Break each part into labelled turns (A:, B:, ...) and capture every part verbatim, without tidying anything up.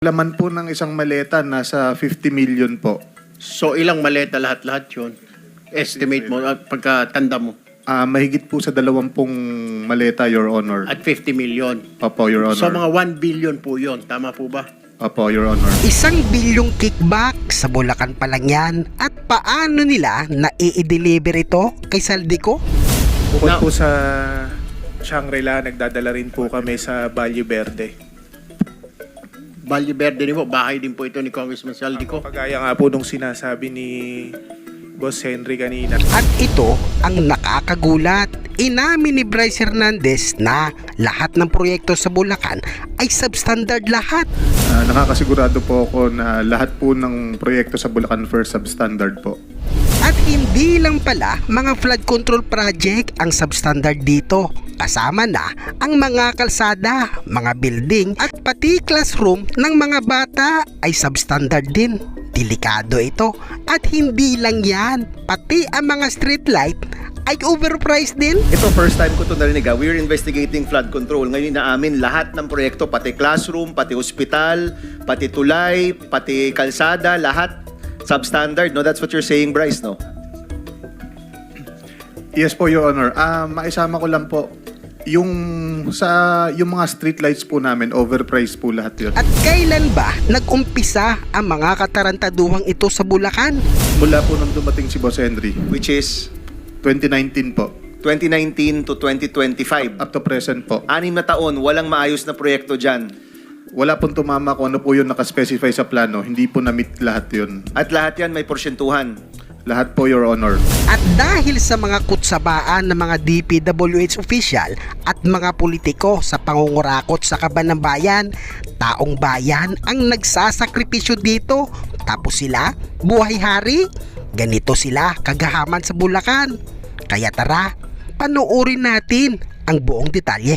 A: Laman po ng isang maleta nasa fifty million po.
B: So ilang maleta lahat-lahat yun? Estimate mo, at pagkatanda mo.
A: Ah, mahigit po sa dalawampung maleta, Your Honor.
B: At fifty million.
A: Opo, Your Honor.
B: So mga one billion po yun. Tama po ba?
A: Opo, Your Honor.
C: Isang bilyong kickback sa Bulacan pa lang yan. At paano nila na-i-deliver ito kay Saldico?
D: Bukod
B: Now-
D: po sa Shangri-La, nagdadala rin po kami sa Valle Verde.
B: Valle Verde din po, bahay din po ito ni Congressman Saldico.
D: Kagaya nga po nung sinasabi ni Boss Henry kanina.
C: At ito ang nakakagulat. Inamin ni Bryce Hernandez na lahat ng proyekto sa Bulacan ay substandard lahat.
A: Ah, nakakasigurado po ako na lahat po ng proyekto sa Bulacan First substandard po.
C: At hindi lang pala mga flood control project ang substandard dito. Kasama na ang mga kalsada, mga building at pati classroom ng mga bata ay substandard din. Delikado ito. At hindi lang yan, pati ang mga street light ay overpriced din.
E: Ito, first time ko ito narinig. ah. We're investigating flood control. Ngayon inaamin lahat ng proyekto, pati classroom, pati hospital, pati tulay, pati kalsada, lahat substandard. No, that's what you're saying, Bryce, no?
A: Yes po, Your Honor. Ah, maisama ko lang po. Yung sa yung mga street lights po namin, overpriced po lahat yun.
C: At kailan ba nag-umpisa ang mga katarantaduhang ito sa Bulacan?
A: Mula po nung dumating si Boss Henry,
E: Which is
A: twenty nineteen po.
E: twenty nineteen to twenty twenty-five.
A: Up to present po.
E: Anim na taon, walang maayos na proyekto dyan.
A: Wala pong tumama kung ano po yung nakaspecify sa plano. Hindi po na-meet lahat yun.
E: At lahat yan may porsyentuhan.
A: Lahat po, Your Honor.
C: At dahil sa mga kutsabaan ng mga D P W H official at mga politiko sa pangungurakot sa kaban ng bayan, taong bayan ang nagsasakripisyo dito. Tapos sila, buhay hari, ganito sila kagahaman sa Bulacan. Kaya tara, panoorin natin ang buong detalye.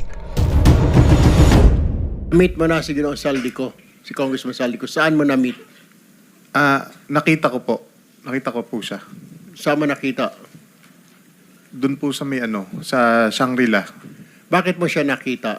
B: Meet mo na si Ginoong Saldico, si Congressman Saldico. Saan mo na-meet?
A: Ah, nakita ko po. Nakita ko po siya.
B: Saan mo nakita?
A: Doon po sa may ano, sa Shangri-La.
B: Bakit mo siya nakita?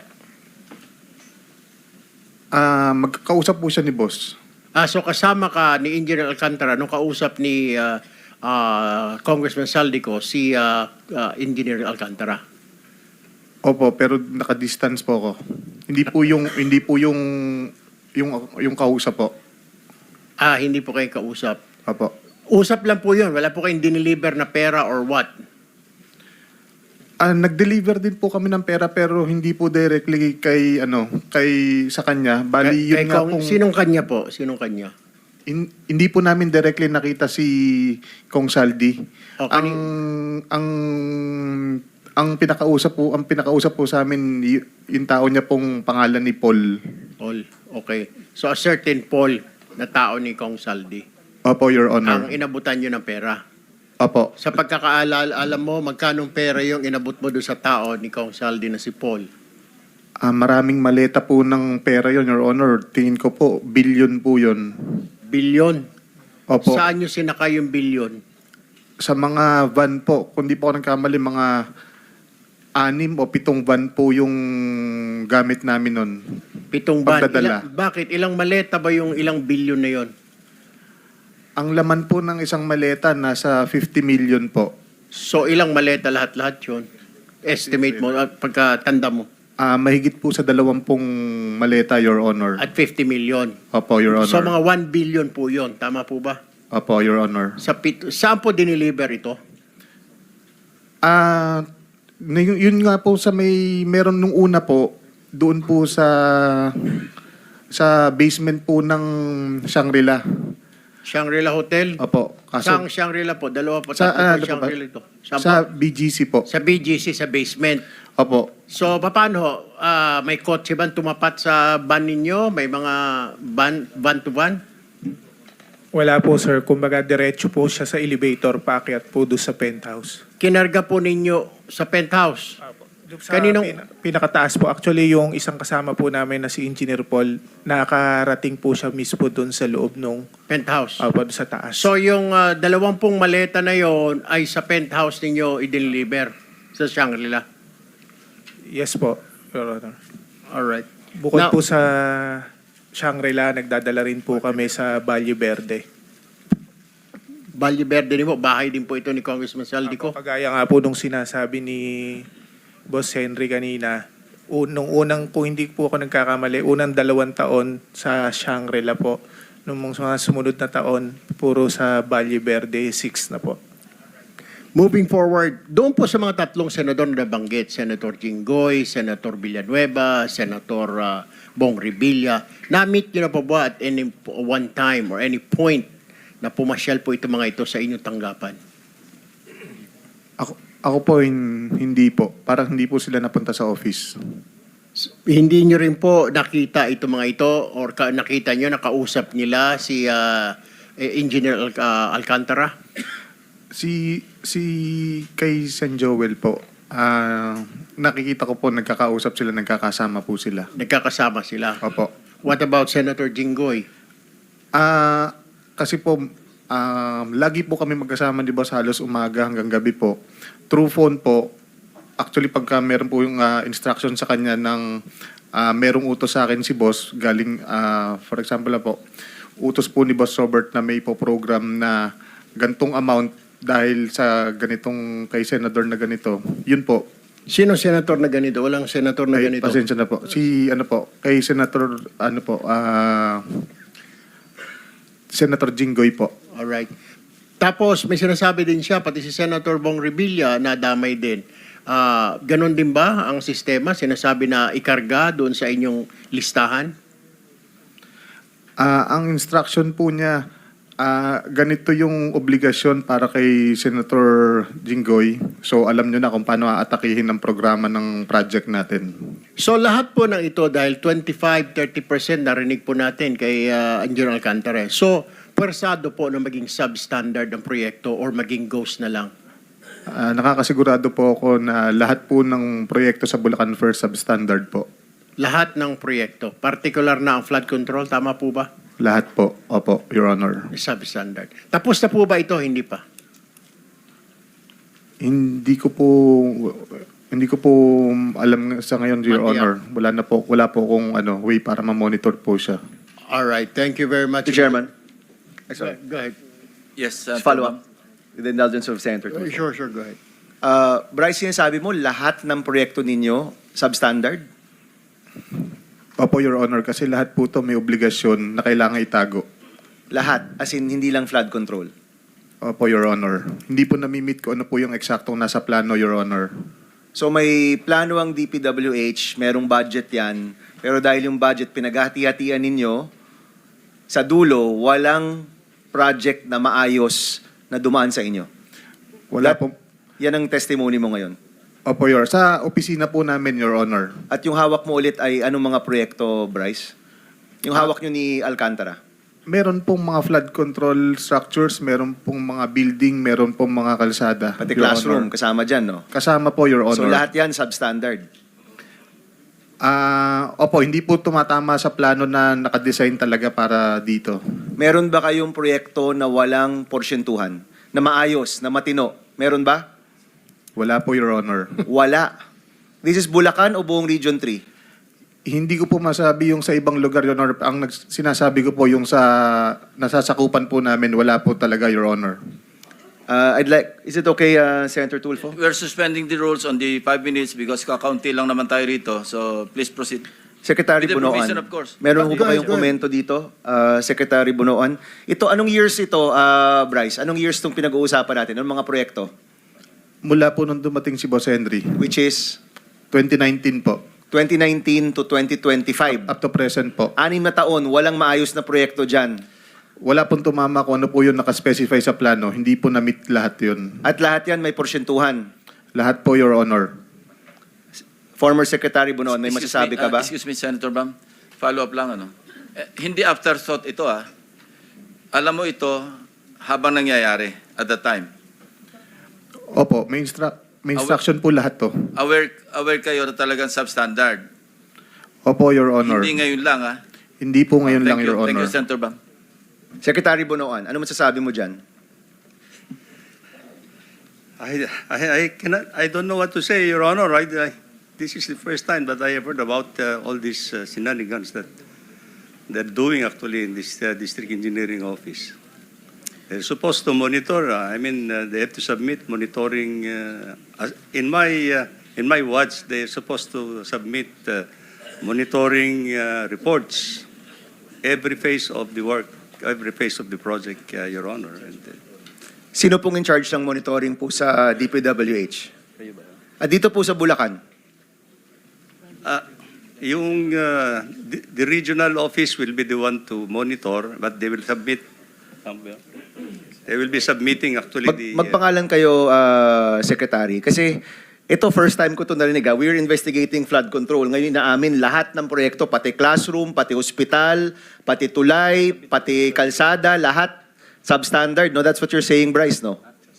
A: Ah, magkakausap po siya ni boss.
B: Ah, so kasama ka ni Engineer Alcantara nung kausap ni ah, ah, Congressman Saldico, si ah, ah, Engineer Alcantara.
A: Opo, pero naka-distance po ako. Hindi po yung hindi po yung yung yung kausap po.
B: Ah, hindi po kayo kausap.
A: Opo.
B: Usap lang po yun. Wala po kayong dineliver na pera or what?
A: Ah, nag-deliver din po kami ng pera pero hindi po directly kay ano, kay sa kanya. Bali
B: Kay-
A: yun
B: kay
A: nga
B: Kong-
A: pong
B: Sinong kanya po? Sinong kanya?
A: hin- hindi po namin directly nakita si Kong Saldi.
B: Oh,
A: ang
B: kani-
A: ang ang pinakausap po, ang pinakausap po sa amin y- yung tao niya pong pangalan ni Paul.
B: Paul. Okay. So a certain Paul na tao ni Kong Saldi
A: Opo, Your Honor.
B: ang inabutan nyo ng pera.
A: Opo.
B: Sa pagkakaalala, alam mo, magkanong pera yung inabot mo doon sa tao ni Kong Saldi na si Paul?
A: Ah, maraming maleta po ng pera yon, Your Honor. Tingin ko po, billion po yon.
B: Bilyon.
A: Opo. Sa,
B: Saan nyo sinaka yung bilyon?
A: mga van po, kung di po ako nagkamali, mga anim o pitong van po yung gamit namin nun.
B: Pitong ban.
A: Pagdadala.
B: Ilang, bakit? Ilang maleta ba yung ilang bilyon na yon?
A: Ang laman po ng isang maleta, nasa fifty million po.
B: So ilang maleta lahat-lahat yun? Estimate mo, at pagkatanda mo.
A: Ah, mahigit po sa dalawampung maleta, Your Honor.
B: At fifty million.
A: Opo, Your Honor.
B: So mga one billion po yun. Tama po ba?
A: Opo, Your Honor.
B: Sa pit- saan po dineliver ito?
A: Ah, na- yun, yun nga po sa may meron nung una po doon po sa sa basement po ng Shangri-La.
B: Shangri-La Hotel?
A: Opo.
B: Saan
A: Kaso
B: Shangri-La po? Dalawa po,
A: sa
B: tatlo
A: ano
B: po
A: po ba?
B: Shangri-La ito. Saan
A: Sa
B: po?
A: B G C po.
B: Sa B G C, sa basement.
A: Opo.
B: So, paano ho? Ah, may kotse ba tumapat sa van ninyo? May mga van, van to van?
D: Wala po sir, kumbaga diretso po siya sa elevator, paakyat po doon sa penthouse.
B: Kinarga po ninyo sa penthouse?
D: Doon sa
B: Kaninong-
D: pina- pinakataas po, actually yung isang kasama po namin na si Engineer Paul, nakarating po siya mismo doon sa loob nung
B: Penthouse.
D: uh, doon sa taas.
B: So, yung ah, dalawampung maleta na yon ay sa penthouse ninyo i-deliver sa Shangri-La?
D: Yes po, Your Honor.
B: Alright.
D: Bukod
B: Now-
D: po sa Shangri-La, nagdadala rin po kami sa Valle Verde.
B: Valle Verde din po, bahay din po ito ni Congressman Saldico.
D: Kagaya nga po nung sinasabi ni Boss Henry kanina, un- nung unang, kung hindi po ako nagkakamali, unang dalawang taon sa Shangri-La po. Nung mga sumunod na taon, puro sa Valle Verde, six na po.
B: Moving forward, doon po sa mga tatlong senador na nabanggit, Senator Jinggoy, Senator Villanueva, Senator uh, Bong Revilla, na-meet nyo na po ba at any po- one time or any point na pumasyal po ito mga ito sa inyong tanggapan?
A: Ako, ako po, hin- hindi po. Parang hindi po sila napunta sa office.
B: S- Hindi nyo rin po nakita ito mga ito or ka- nakita nyo, nakausap nila si uh, eh, Engineer Al- uh, Alcantara?
A: Si si kay San Joel po, ah, nakikita ko po nagkakausap sila, nagkakasama po sila.
B: Nagkakasama sila.
A: Opo.
B: What about Senator Jinggoy?
A: Ah, kasi po um, lagi po kami magkasama, di ba, sa halos umaga hanggang gabi po. Through phone po. Actually, pagka meron po yung ah, instruction sa kanya ng ah, merong utos sa akin si boss, galing, ah, for example na po, utos po ni Boss Robert na may po program na gantong amount dahil sa ganitong kay senador na ganito. Yun po.
B: Sino senator na ganito? Walang senator na
A: Ay,
B: ganito.
A: pasensya na po. Si ano po, kay Senator ano po, ah Senator Jinggoy po.
B: Alright. Tapos may sinasabi din siya, pati si Senator Bong Revilla na damay din. Ah, ganon din ba ang sistema? Sinasabi na ikarga doon sa inyong listahan?
A: Ah, ang instruction po niya, ah, ganito yung obligasyon para kay Senator Jinggoy. So alam niyo na kung paano aatakihin ang programa ng project natin.
B: So lahat po ng ito dahil twenty-five to thirty percent narinig po natin kay uh, Engineer Alcantara. So pwersado po na maging substandard ang proyekto or maging ghost na lang.
A: Ah, nakakasigurado po ako na lahat po ng proyekto sa Bulacan First substandard po.
B: Lahat ng proyekto, particular na ang flood control, tama po ba?
A: Lahat po. Opo, Your Honor.
B: Substandard. Tapos na po ba ito? Hindi pa.
A: Hindi ko po hindi ko po alam sa ngayon, Your
B: Matiyak.
A: Honor. Wala na po, wala po kung ano way para ma-monitor po siya.
B: All right. Thank you very much.
E: Mister Chairman.
B: Go go ahead.
F: Yes, uh,
E: Just follow up. With the indulgence of Senator Tulfo.
B: Sure, sure. Go ahead.
E: Uh, Bryce, sinasabi mo, lahat ng proyekto ninyo substandard?
A: Opo, Your Honor, kasi lahat po to may obligasyon na kailangan itago.
E: Lahat, as in hindi lang flood control.
A: Opo, Your Honor. Hindi po namimit ko ano po yung eksaktong nasa plano, Your Honor.
E: So may plano ang D P W H, merong budget yan, pero dahil yung budget pinaghati-hatian ninyo, sa dulo, walang project na maayos na dumaan sa inyo.
A: Wala
E: That-
A: po.
E: Yan ang testimony mo ngayon.
A: Opo, Your Sa opisina po namin, Your Honor.
E: At yung hawak mo ulit ay anong mga proyekto, Bryce? Yung hawak nyo ni Alcantara?
A: Meron pong mga flood control structures, meron pong mga building, meron pong mga kalsada.
E: Pati
A: Your
E: classroom,
A: Honor.
E: kasama dyan, no?
A: Kasama po, Your Honor.
E: So lahat yan substandard.
A: Ah, opo, hindi po tumatama sa plano na nakadesign talaga para dito.
E: Meron ba kayong proyekto na walang porsyentuhan? Na maayos, na matino? Meron ba?
A: Wala po, Your Honor.
E: Wala. This is Bulacan o buong Region three?
A: Hindi ko po masabi yung sa ibang lugar, Your Honor. Ang nags- sinasabi ko po yung sa nasasakupan po namin, wala po talaga, Your Honor.
E: Uh, I'd like, is it okay, uh, Senator Tulfo?
F: we're suspending the rules on the five minutes because kakaunti lang naman tayo rito. So please proceed.
E: Secretary
F: With the
E: Bunoan,
F: provision, of course.
E: meron
B: Go
E: ko ba
B: ahead,
E: kayong
B: go ahead.
E: komento dito, uh, Secretary Bunoan? Ito, anong years ito, uh, Bryce? Anong years itong pinag-uusapan natin? Anong mga proyekto?
A: Mula po nung dumating si Boss Henry,
E: Which is
A: twenty nineteen po,
E: twenty nineteen to twenty twenty-five.
A: up to present po.
E: Anim na taon, walang maayos na proyekto dyan.
A: Wala pong tumama kung ano po yung nakaspecify sa plano. Hindi po na-meet lahat yun.
E: At lahat yan may porsyentuhan.
A: Lahat po, Your Honor.
E: Former Secretary Bunoan, may
F: Excuse
E: masasabi
F: me,
E: ka
F: uh,
E: ba?
F: excuse me, Senator Bam. Follow up lang, ano. Eh, hindi afterthought ito, ah. Alam mo ito habang nangyayari at the time.
A: Opo, may, instru- may instruction po lahat to.
F: Aware, aware kayo na talagang substandard.
A: Opo, Your Honor.
F: Hindi ngayon lang, ah.
A: Hindi po ngayon
F: Thank
A: lang,
F: you.
A: Your
F: Thank
A: Honor.
F: you, Senator Bam.
E: Secretary Bunoan, ano masasabi mo dyan?
G: I, I, I cannot, I don't know what to say, Your Honor. I, I, this is the first time that I have heard about uh, all these uh, shenanigans that they're doing actually in this uh, district engineering office. They're supposed to monitor. Uh, I mean, uh, they have to submit monitoring. Uh, as- in my uh, in my watch, they're supposed to submit uh, monitoring uh, reports every phase of the work, every phase of the project, uh, Your Honor. And, uh,
E: Sino pong in charge ng monitoring po sa D P W H? Ah, dito po sa Bulacan.
G: uh, yung uh, the, the regional office will be the one to monitor, but they will submit. They will be submitting actually
E: Mag,
G: the. uh,
E: magpangalan kayo, uh, Secretary. Kasi ito, first time ko ito narinig. ah. We're investigating flood control. Ngayon inaamin lahat ng proyekto, pati classroom, pati hospital, pati tulay, pati kalsada, lahat substandard. No? That's what you're saying, Bryce, no?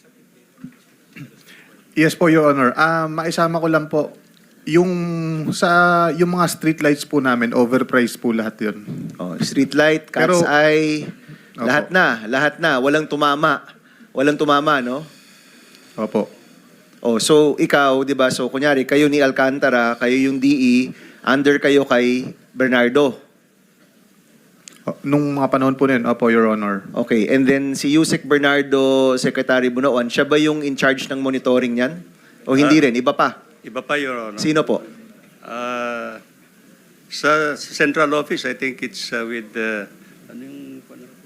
A: Yes po, Your Honor. Ah, maisama ko lang po, yung sa yung mga street lights po namin, overpriced po lahat 'yon.
E: Oh, street light, cat's
A: Pero-
E: eye,
A: Opo.
E: lahat na, lahat na. Walang tumama. Walang tumama, no?
A: Opo.
E: Oh, so ikaw, 'di ba? So kunyari kayo ni Alcantara, kayo yung D E, under kayo kay Bernardo.
A: O, Nung mga panahon po na yun, opo, Your Honor.
E: Okay, and then si Yusek Bernardo, Secretary Bunoan, siya ba yung in charge ng monitoring niyan? O hindi
G: Ah.
E: rin, iba pa?
G: Iba pa, Your Honor.
E: Sino po?
G: Uh, sa sa central office, I think it's uh, with the ano yung,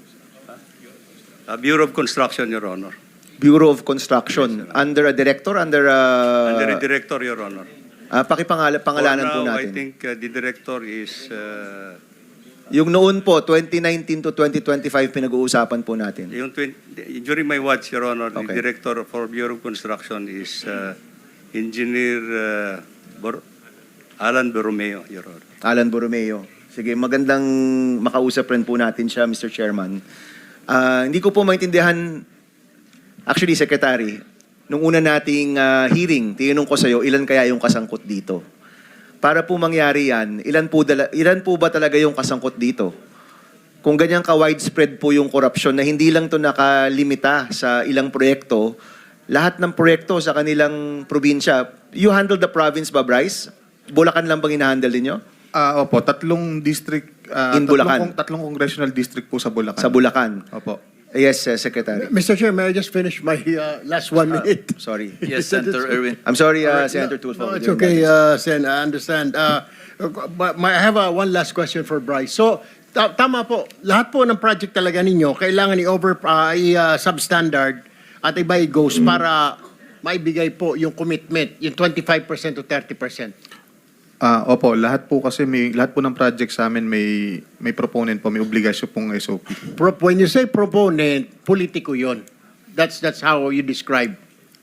G: uh, Bureau of Construction, Your Honor.
E: Bureau of Construction. Under a director? Under a...
G: Under the director, Your Honor.
E: Ah, pakipangala, pangalanan
G: For
E: po
G: now,
E: natin.
G: I think uh, the director is uh,
E: Yung noon po, twenty nineteen to twenty twenty-five, pinag-uusapan po natin.
G: yung twen- during my watch, Your Honor, the
E: Okay.
G: director for Bureau of Construction is uh, Engineer uh, Bor- Alan Borromeo, Your Honor.
E: Alan Borromeo. Sige, magandang makausap rin po natin siya, Mister Chairman. Ah, hindi ko po maintindihan, actually, Secretary, nung una nating ah, hearing, tinanong ko sa'yo, ilan kaya yung kasangkot dito? Para po mangyari yan, ilan po, dala, ilan po ba talaga yung kasangkot dito? Kung ganyan ka-widespread po yung korupsyon na hindi lang to nakalimita sa ilang proyekto, lahat ng proyekto sa kanilang probinsya, you handle the province ba, Bryce? Bulacan lang bang hinahandle ninyo?
A: Ah, opo, tatlong district, ah,
E: In
A: tatlong,
E: Bulacan.
A: kong- tatlong congressional district po sa Bulacan.
E: Sa Bulacan.
A: Opo.
E: Yes, uh, Secretary.
B: Mister Chair, may I just finish my uh, last one minute?
E: Sorry.
F: Yes, Senator Erwin.
E: I'm sorry, uh,
B: Alright,
E: Senator
B: no,
E: Tulfo.
B: No, it's okay, uh, Sen. I understand. Uh, but my, I have uh, one last question for Bryce. So, ta- tama po. Lahat po ng project talaga ninyo, kailangan i-over, uh, i-substandard at iba i-goes para maibigay po yung commitment, yung twenty-five percent to thirty percent.
A: Ah, opo, lahat po kasi may lahat po ng project sa amin may may proponent po, may obligasyon pong S O P.
B: Pro- when you say proponent, politiko yon. That's that's how you describe.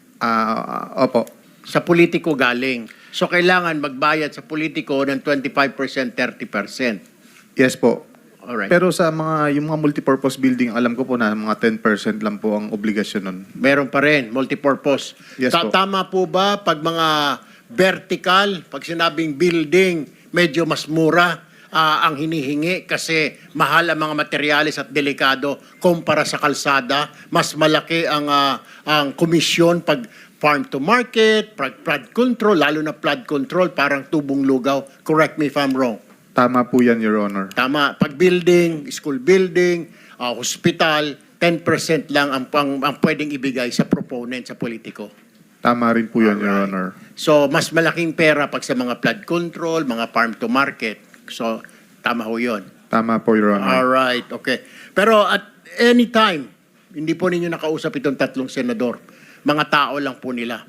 A: Ah, opo.
B: Sa politiko galing. So, kailangan magbayad sa politiko ng twenty-five percent, thirty percent.
A: Yes po.
B: Alright.
A: Pero sa mga yung mga multipurpose building, alam ko po na mga ten percent lang po ang obligasyon nun.
B: Meron pa rin, multipurpose.
A: Yes
B: Ta-
A: po.
B: Tama po ba pag mga vertical, pag sinabing building, medyo mas mura ah, ang hinihingi kasi mahal ang mga materyales at delikado kumpara sa kalsada, mas malaki ang ah, ang komisyon pag farm to market, pag flood control, lalo na flood control, parang tubong lugaw. Correct me if I'm wrong.
A: Tama po yan, Your Honor.
B: Tama, pag building, school building, ah, hospital, ten percent lang ang, pang, ang pwedeng ibigay sa proponent, sa politiko.
A: Tama rin po yan, Your
B: Alright.
A: Honor.
B: So, mas malaking pera pag sa mga flood control, mga farm to market. So, tama ho yun.
A: Tama po, Your Honor.
B: Alright, okay. Pero at any time, hindi po ninyo nakausap itong tatlong senador. Mga tao lang po nila.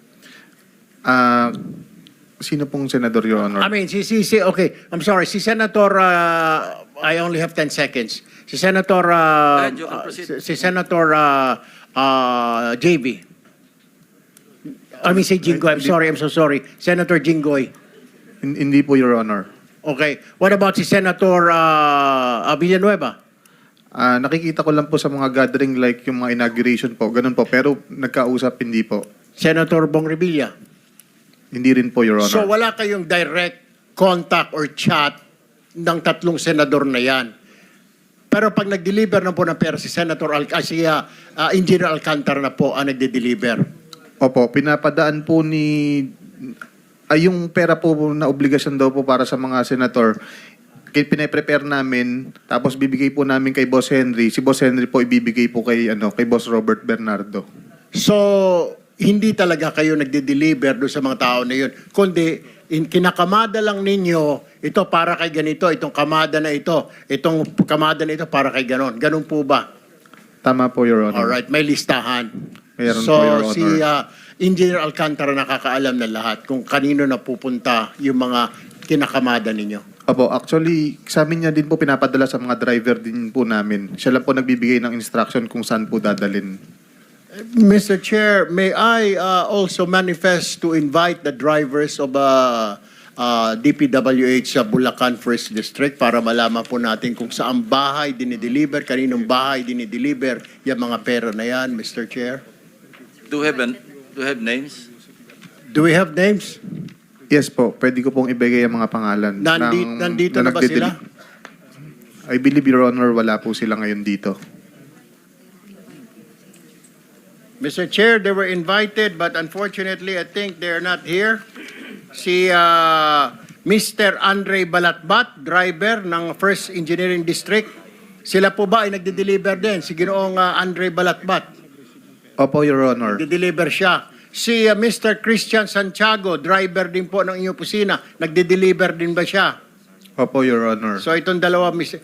A: Ah, sino pong senador, Your Honor?
B: I mean, si, si, si, okay, I'm sorry, si Senator, uh, I only have ten seconds. Si Senator, uh,
F: Ahead, you can
B: uh,
F: proceed.
B: si, si Senator uh, uh, J V. I mean, si Jinggoy, I'm sorry, I'm so sorry. Senator Jinggoy.
A: Hin- hindi po, Your Honor.
B: Okay, what about si Senator uh, uh, Villanueva?
A: Ah, nakikita ko lang po sa mga gathering like yung mga inauguration po, ganun po. Pero nagkausap, hindi po.
B: Senator Bong Revilla?
A: Hindi rin po, Your Honor.
B: So wala kayong direct contact or chat ng tatlong senador na yan. Pero pag nag-deliver na po ng pera si Senator Al ah, si uh, uh, Engineer Alcantara na po ang nagde-deliver.
A: Opo, pinapadaan po ni... Ay, yung pera po na obligasyon daw po para sa mga senator, ki- pine-prepare namin, tapos bibigay po namin kay Boss Henry. Si Boss Henry po ibibigay po kay, ano, kay Boss Robert Bernardo.
B: So, hindi talaga kayo nagde-deliver doon sa mga tao na yun. Kundi, in, kinakamada lang ninyo, ito para kay ganito, itong kamada na ito, itong kamada na ito para kay ganon. Ganon po ba?
A: Tama po, Your Honor.
B: Alright, may listahan.
A: Meron
B: so,
A: po, Your Honor.
B: si uh, Engineer Alcantara nakakaalam na lahat kung kanino na pupunta yung mga kinakamada ninyo.
A: Opo, actually, sa amin niya din po pinapadala sa mga driver din po namin. Siya lang po nagbibigay ng instruction kung saan po dadalin.
B: Mister Chair, may I uh, also manifest to invite the drivers of uh, uh, D P W H sa Bulacan First District para malaman po natin kung saan bahay dinideliver, kaninong bahay dinideliver yung mga pera na yan, Mister Chair.
F: Do have, an, do have names?
B: Do we have names?
A: Yes po, pwede ko pong ibigay ang mga pangalan.
B: Nandi-
A: ng-
B: nandito na ba
A: nagdedeli-
B: sila?
A: I believe, Your Honor, wala po sila ngayon dito.
B: Mister Chair, they were invited but unfortunately I think they're not here. Si uh, Mister Andre Balatbat, driver ng First Engineering District. Sila po ba ay nagde-deliver din? Si Ginoong uh, Andre Balatbat.
A: Opo, Your Honor.
B: Nagde-deliver siya. Si uh, Mister Christian Santiago, driver din po ng inyong pusina. Nagde-deliver din ba siya?
A: Opo, Your Honor.
B: So itong dalawa, Mister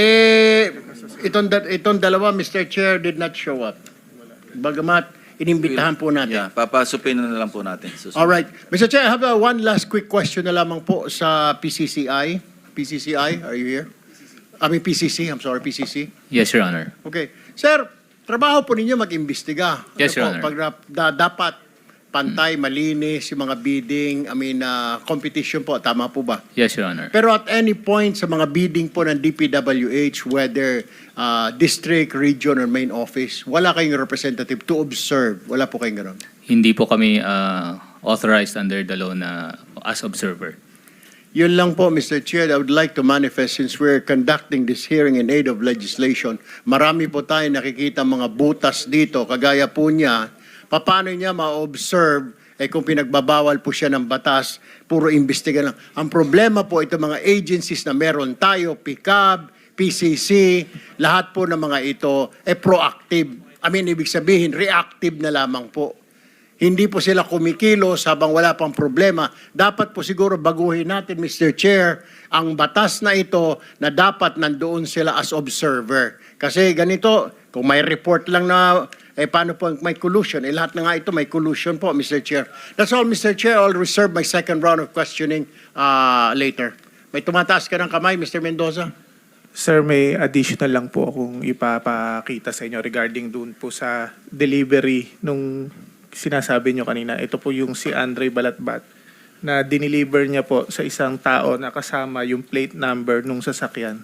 B: Eh, itong, da- itong dalawa, Mister Chair, did not show up. Bagamat, inimbitahan po natin.
F: Yeah, papasupin na lang po natin. Susunod.
B: All right. Mister Chair, I have uh, one last quick question na lamang po sa P C C I. P C C I, are you here? I mean P C C, I'm sorry, P C C.
H: Yes, Your Honor.
B: Okay. Sir, trabaho po ninyo mag-imbestiga.
H: Yes,
B: Ano
H: Your
B: po,
H: Honor.
B: Pag na- da- dapat pantay, malinis, yung mga bidding, I mean, uh, competition po, tama po ba?
H: Yes, Your Honor.
B: Pero at any point sa mga bidding po ng D P W H, whether uh, district, region, or main office, wala kayong representative to observe. Wala po kayong gano'n.
H: Hindi po kami uh, authorized under the law na as observer.
B: Yun lang po, Mister Chair, I would like to manifest since we're conducting this hearing in aid of legislation. Marami po tayo nakikita mga butas dito, kagaya po niya, paano niya ma-observe eh kung pinagbabawal po siya ng batas, puro imbestiga lang. Ang problema po ito mga agencies na meron tayo, P C A B, P C C, lahat po ng mga ito eh proactive. I mean, ibig sabihin, reactive na lamang po. Hindi po sila kumikilos habang wala pang problema. Dapat po siguro baguhin natin, Mister Chair, ang batas na ito na dapat nandoon sila as observer. Kasi ganito, kung may report lang na, eh paano po may collusion? Eh lahat na nga ito may collusion po, Mister Chair. That's all, Mister Chair. I'll reserve my second round of questioning uh, later. May tumataas ka ng kamay, Mister Mendoza?
D: Sir, may additional lang po akong ipapakita sa inyo regarding dun po sa delivery nung sinasabi nyo kanina. Ito po yung si Andre Balatbat na dineliver niya po sa isang tao na kasama yung plate number nung sasakyan.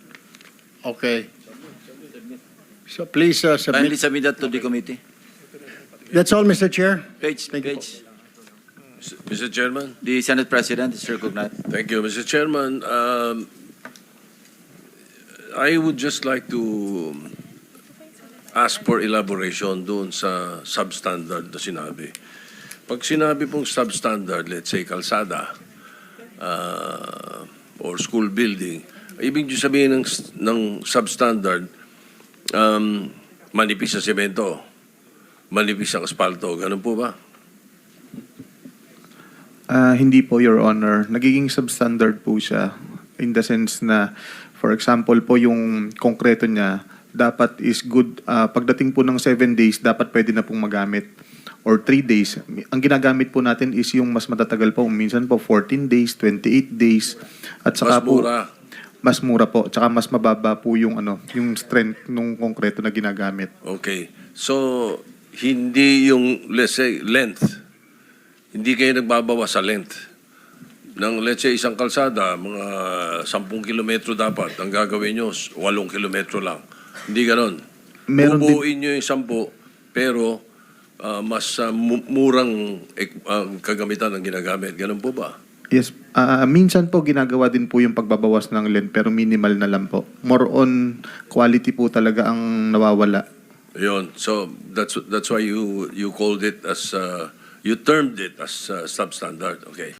B: Okay. So please uh,
F: Kindly
B: submit.
F: submit that to the committee.
B: That's all, Mister Chair.
F: Page,
B: Thank you
F: page.
I: Mister Chairman,
F: The Senate President is recognized.
I: thank you. Mister Chairman, um, I would just like to ask for elaboration doon sa substandard na sinabi. Pag sinabi pong substandard, let's say kalsada uh, or school building, ibig sabihin ng, ng substandard, um, manipis sa semento, manipis ang asfalto, ganun po ba?
A: Ah, hindi po, Your Honor. Nagiging substandard po siya in the sense na, for example po, yung konkreto niya, dapat is good, ah, pagdating po ng seven days, dapat pwede na pong magamit. Or three days. Ang ginagamit po natin is yung mas matatagal po. Minsan po fourteen days, twenty-eight days. At saka
I: Mas
A: po,
I: mura.
A: mas mura po. Tsaka mas mababa po yung, ano, yung strength nung konkreto na ginagamit.
I: Okay. So, hindi yung, let's say, length. Hindi kayo nagbabawa sa length. Ng, let's say, isang kalsada, mga sampung kilometro dapat. Ang gagawin nyo, walong kilometro lang. Hindi ganon.
A: Meron din-
I: Bubuuin nyo yung sampu, pero ah, mas ah, mu- murang ek- ang kagamitan ng ginagamit. Ganon po ba?
A: Yes, ah, minsan po ginagawa din po yung pagbabawas ng length pero minimal na lang po. More on quality po talaga ang nawawala.
I: Yun. So, that's that's why you you called it as, uh, you termed it as uh, substandard. Okay.